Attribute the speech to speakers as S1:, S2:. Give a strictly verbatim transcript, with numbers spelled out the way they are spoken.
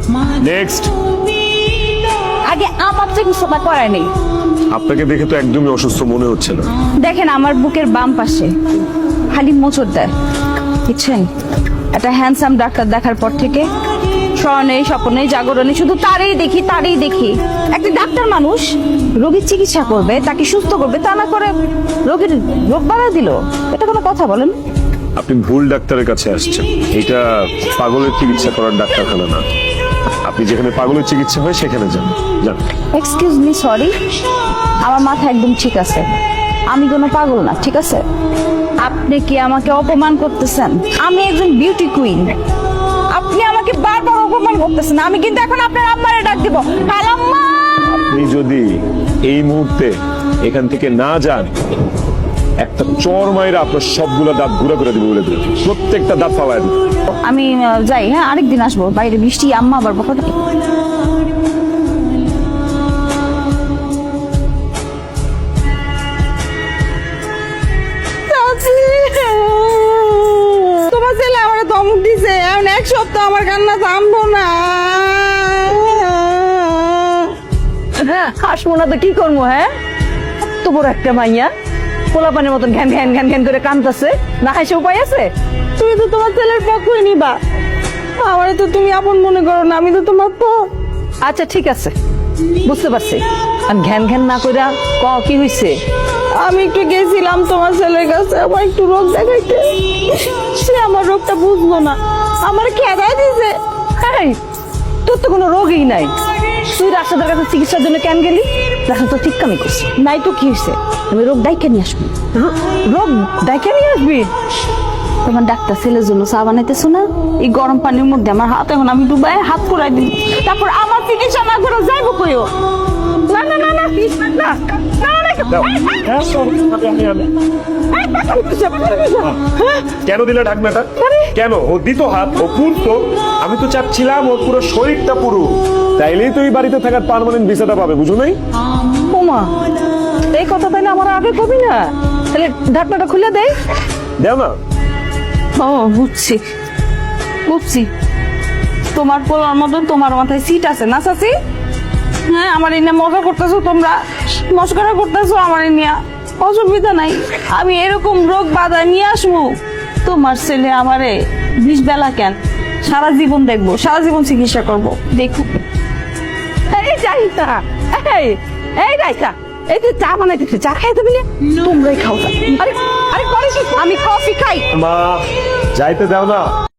S1: Next.
S2: আগে আমার চিকিৎসা করায় নেই।
S1: আপনাকে দেখে তো একদমই অসুস্থ মনে হচ্ছে না।
S2: দেখেন আমার বুকের বাম পাশে খালি মোচড় দেয়, বুঝছেন? একটা হ্যান্ডসাম ডাক্তার দেখার পর থেকে স্বর্ণে স্বপ্নে জাগরণে শুধু তারই দেখি তারই দেখি। একটা ডাক্তার মানুষ রোগীর চিকিৎসা করবে, তাকে সুস্থ করবে, তা না করে রোগীর রোগ বাড়া দিল। এটা কোনো কথা বলেন?
S1: আপনি ভুল ডাক্তারের কাছে আসছেন। এটা পাগলের চিকিৎসা করার ডাক্তারখানা না। আপনি যেখানে পাগলের চিকিৎসা হয় সেখানে যান। যান।
S2: এক্সকিউজ মি, সরি, আমার মাথা একদম ঠিক আছে, আমি কোনো পাগল না, ঠিক আছে? আপনি কি আমাকে অপমান করতেছেন? আমি একজন বিউটি কুইন, আপনি আমাকে বারবার অপমান করতেছেন। আমি কিন্তু এখন আপনার আম্মারে ডাক দিব। খালাম্মা,
S1: আপনি যদি এই মুহূর্তে এখান থেকে না যান, একটা চর মাইরা আপনার সবগুলা দাঁত ঘুরে করে দিবে বলে দিল। প্রত্যেকটা দাঁত ফালায় দিবে।
S2: আমি আহ, যাই, হ্যাঁ, আরেকদিন আসবো। বাইরে বৃষ্টি, আম্মা আবার বকা দেবে।
S3: তোমার ছেলে আমার ধমক দিছে, এখন এক সপ্তাহ আমার কান্না থামবো না।
S2: হাসবো না তো কি করবো? হ্যাঁ, এত বড় একটা মাইয়া পোলাপানের মতন ঘ্যান ঘ্যান ঘ্যান ঘ্যান করে কাঁদতেছে, না হাসে উপায় আছে?
S3: তুমি তো তোমার ছেলের পক্ষই নিবা, আমারে তো তুমি আপন মনে করো না, আমি তো তোমার পর।
S2: আচ্ছা ঠিক আছে, বুঝতে পারছি। আর ঘ্যান ঘ্যান না কইরা ক কি হইছে?
S3: আমি একটু গেছিলাম তোমার ছেলের কাছে, আমার একটু রোগ দেখাইতে, সে আমার রোগটা বুঝলো না, আমার খেদাই দিছে।
S2: এই, তোর তো কোনো রোগই নাই, তুই রাস্তাদের কাছে চিকিৎসার জন্য কেন গেলি? রাস্তা তো ঠিক কামি করছি, নাই তো কি হয়েছে? আমি রোগ ডাইকে নিয়ে আসবি। রো- রোগ ডাইকে নিয়ে আসবি? তোমার ডাক্তার ছেলের জন্য চা বানাইতেছো না? এই গরম পানির মধ্যে আমার হাত, এখন আমি ডুবাই হাত পুরাই দিই, তারপর আমার চিকিৎসা না করে যাইবো কইও? না না না না না না,
S1: দাও। হ্যাঁ, sorry, আমি- আমি- আমি- কেন দিলে ঢাকনাটা? কেন? ও দিত হাত, ও পুরতো। আমি তো চাচ্ছিলাম ওর পুরো শরীরটা পুরো, তাইলেই তো এই বাড়িতে থাকার পার্মানেন্ট ভিসাটা পাবে, বুঝো নাই?
S2: ওমা, এই কথা তাইলে আমার আগে কবি না? তাহলে ঢাকনাটা খুলে দেয়।
S1: দেও না।
S2: ও বুঝছি বুঝছি, তোমার পোলার মতন তোমার মাথায় সিট আছে না চাচি? হ্যাঁ, আমার এই নিয়ে মজা করতেছো, তোমরা মস্করা করতেছো আমার এই নিয়ে, অসুবিধা নাই। আমি এরকম রোগ বাধা নিয়ে আসবো, তোমার ছেলে আমারে বিষ বেলা কেন, সারা জীবন দেখবো, সারা জীবন চিকিৎসা করবো, দেখো। এই যাইতা, এই এই যাইতা, এই তুই চা বানাইতেছে, চা খাইতে দিলে তোমরাই খাও চা। আরে আরে করে কি? আমি কফি খাই।
S1: মা, যাইতে দাও না।